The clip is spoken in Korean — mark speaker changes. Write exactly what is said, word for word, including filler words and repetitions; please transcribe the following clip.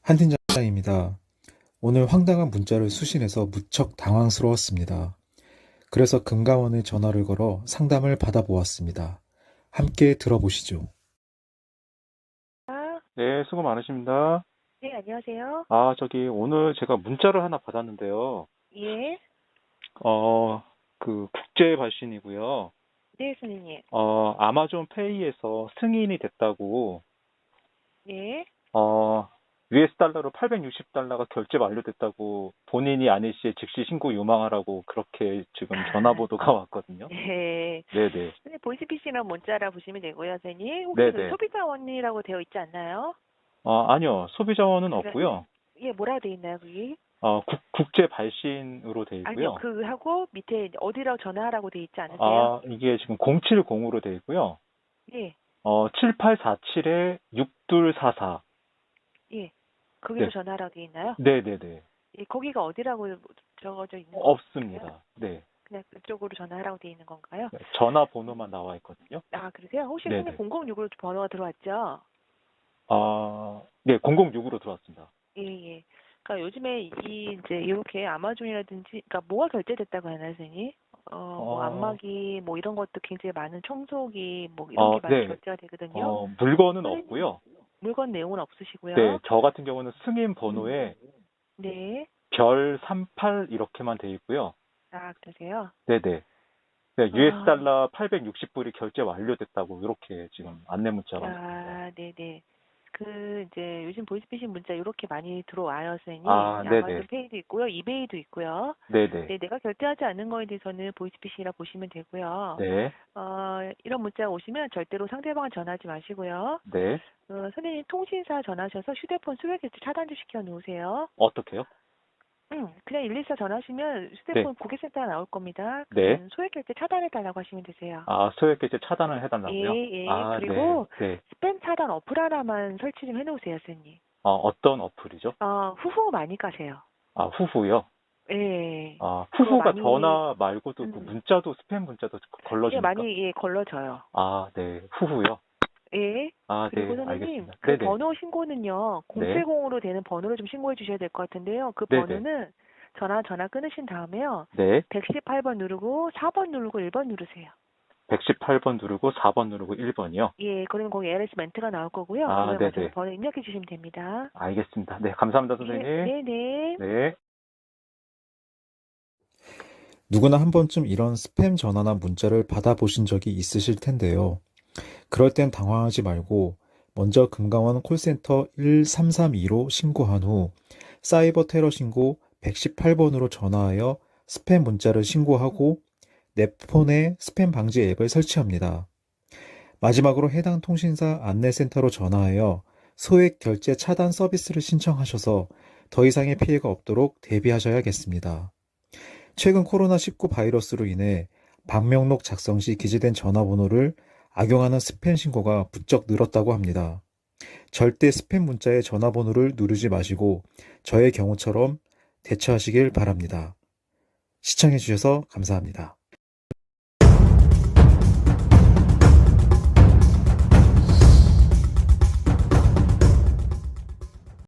Speaker 1: 한 팀장입니다. 오늘 황당한 문자를 수신해서 무척 당황스러웠습니다. 그래서 금감원에 전화를 걸어 상담을 받아보았습니다. 함께 들어보시죠.
Speaker 2: 아,
Speaker 3: 네, 수고 많으십니다.
Speaker 2: 네, 안녕하세요.
Speaker 3: 아, 저기, 오늘 제가 문자를 하나 받았는데요.
Speaker 2: 예,
Speaker 3: 어, 그, 국제 발신이고요.
Speaker 2: 네, 선생님.
Speaker 3: 어, 아마존 페이에서 승인이 됐다고,
Speaker 2: 예.
Speaker 3: 어, 유에스 달러로 팔백육십 달러가 결제 완료됐다고 본인이 아닐 시에 즉시 신고 요망하라고 그렇게 지금 전화보도가 왔거든요.
Speaker 2: 네.
Speaker 3: 네네.
Speaker 2: 선생님, 보이스피싱이랑 문자라 보시면 되고요, 선생님. 혹시 그
Speaker 3: 네네.
Speaker 2: 소비자원이라고 되어 있지 않나요?
Speaker 3: 어, 아니요. 소비자원은
Speaker 2: 그래,
Speaker 3: 없고요.
Speaker 2: 예, 뭐라고 되어 있나요, 그게?
Speaker 3: 어, 국, 국제 발신으로 돼
Speaker 2: 아니요,
Speaker 3: 있고요.
Speaker 2: 그 하고 밑에 어디라고 전화하라고 되어 있지 않으세요?
Speaker 3: 아, 이게 지금 공칠공으로 돼 있고요.
Speaker 2: 예,
Speaker 3: 어, 칠팔사칠에 육이사사.
Speaker 2: 예. 거기로
Speaker 3: 네.
Speaker 2: 전화하라고 되어 있나요?
Speaker 3: 네네네.
Speaker 2: 예, 거기가 어디라고 적어져 있는 건가요?
Speaker 3: 없습니다. 네.
Speaker 2: 그냥 그쪽으로 전화하라고 되어 있는 건가요?
Speaker 3: 네, 전화번호만 나와 있거든요.
Speaker 2: 아, 그러세요? 혹시 선생님
Speaker 3: 네네.
Speaker 2: 공공육으로 번호가 들어왔죠?
Speaker 3: 아, 네, 공공육으로 들어왔습니다.
Speaker 2: 예, 예. 그러니까 요즘에 이 이제 이렇게 아마존이라든지 그러니까 뭐가 결제됐다고 하나요, 선생님? 어, 뭐
Speaker 3: 어,
Speaker 2: 안마기 뭐 이런 것도 굉장히 많은 청소기 뭐 이런
Speaker 3: 어,
Speaker 2: 게 많이
Speaker 3: 네.
Speaker 2: 결제가 되거든요.
Speaker 3: 어, 물건은
Speaker 2: 선생님
Speaker 3: 없고요.
Speaker 2: 물건 내용은
Speaker 3: 네,
Speaker 2: 없으시고요.
Speaker 3: 저 같은 경우는 승인 번호에
Speaker 2: 네.
Speaker 3: 별 삼십팔 이렇게만 돼 있고요.
Speaker 2: 아, 그러세요?
Speaker 3: 네네. 네, 유에스
Speaker 2: 아,
Speaker 3: 달러 팔백육십 불이 결제 완료됐다고 이렇게 지금 안내 문자가 왔습니다.
Speaker 2: 아, 네네. 그 이제 요즘 보이스피싱 문자 이렇게 많이 들어와요, 선생님.
Speaker 3: 아, 네네.
Speaker 2: 아마존 페이도 있고요, 이베이도 있고요.
Speaker 3: 네네.
Speaker 2: 네, 내가 결제하지 않는 거에 대해서는 보이스피싱이라 보시면 되고요.
Speaker 3: 네.
Speaker 2: 어, 이런 문자가 오시면 절대로 상대방을 전화하지 마시고요.
Speaker 3: 네.
Speaker 2: 어, 선생님 통신사 전화하셔서 휴대폰 수백 개째 차단 좀 시켜 놓으세요.
Speaker 3: 어떻게요?
Speaker 2: 응, 그냥 일일사 전화하시면
Speaker 3: 네.
Speaker 2: 휴대폰 고객센터가 나올 겁니다.
Speaker 3: 네.
Speaker 2: 그러면 소액 결제 차단해 달라고 하시면 되세요.
Speaker 3: 아, 소액 결제 차단을
Speaker 2: 예,
Speaker 3: 해달라고요?
Speaker 2: 예.
Speaker 3: 아, 네.
Speaker 2: 그리고
Speaker 3: 네.
Speaker 2: 스팸 차단 어플 하나만 설치 좀 해놓으세요, 선생님.
Speaker 3: 어, 어떤 어플이죠?
Speaker 2: 어, 후후 많이 가세요.
Speaker 3: 아, 후후요?
Speaker 2: 예.
Speaker 3: 아,
Speaker 2: 그거
Speaker 3: 후후가
Speaker 2: 많이,
Speaker 3: 전화 말고도 그
Speaker 2: 음,
Speaker 3: 문자도 스팸 문자도
Speaker 2: 예,
Speaker 3: 걸러줍니까?
Speaker 2: 많이, 예, 걸러져요.
Speaker 3: 아, 네. 후후요?
Speaker 2: 예.
Speaker 3: 아,
Speaker 2: 그리고
Speaker 3: 네.
Speaker 2: 선생님,
Speaker 3: 알겠습니다.
Speaker 2: 그
Speaker 3: 네네.
Speaker 2: 번호 신고는요,
Speaker 3: 네.
Speaker 2: 공칠공으로 되는 번호를 좀 신고해 주셔야 될 것 같은데요. 그
Speaker 3: 네네.
Speaker 2: 번호는 전화, 전화 끊으신 다음에요,
Speaker 3: 네.
Speaker 2: 백십팔 번 누르고, 사 번 누르고, 일 번 누르세요.
Speaker 3: 백십팔 번 누르고 사 번 누르고 일 번이요?
Speaker 2: 예, 그러면 거기 엘에스 멘트가 나올 거고요.
Speaker 3: 아,
Speaker 2: 그걸 가셔서
Speaker 3: 네네.
Speaker 2: 번호 입력해 주시면 됩니다.
Speaker 3: 알겠습니다. 네. 감사합니다,
Speaker 2: 예,
Speaker 3: 선생님.
Speaker 2: 네네.
Speaker 3: 네.
Speaker 1: 누구나 한 번쯤 이런 스팸 전화나 문자를 받아보신 적이 있으실 텐데요. 그럴 땐 당황하지 말고 먼저 금감원 콜센터 일삼삼이로 신고한 후 사이버 테러 신고 백십팔 번으로 전화하여 스팸 문자를 신고하고 내 폰에 스팸 방지 앱을 설치합니다. 마지막으로 해당 통신사 안내센터로 전화하여 소액 결제 차단 서비스를 신청하셔서 더 이상의 피해가 없도록 대비하셔야겠습니다. 최근 코로나십구 바이러스로 인해 방명록 작성 시 기재된 전화번호를 악용하는 스팸 신고가 부쩍 늘었다고 합니다. 절대 스팸 문자의 전화번호를 누르지 마시고 저의 경우처럼 대처하시길 바랍니다. 시청해주셔서 감사합니다.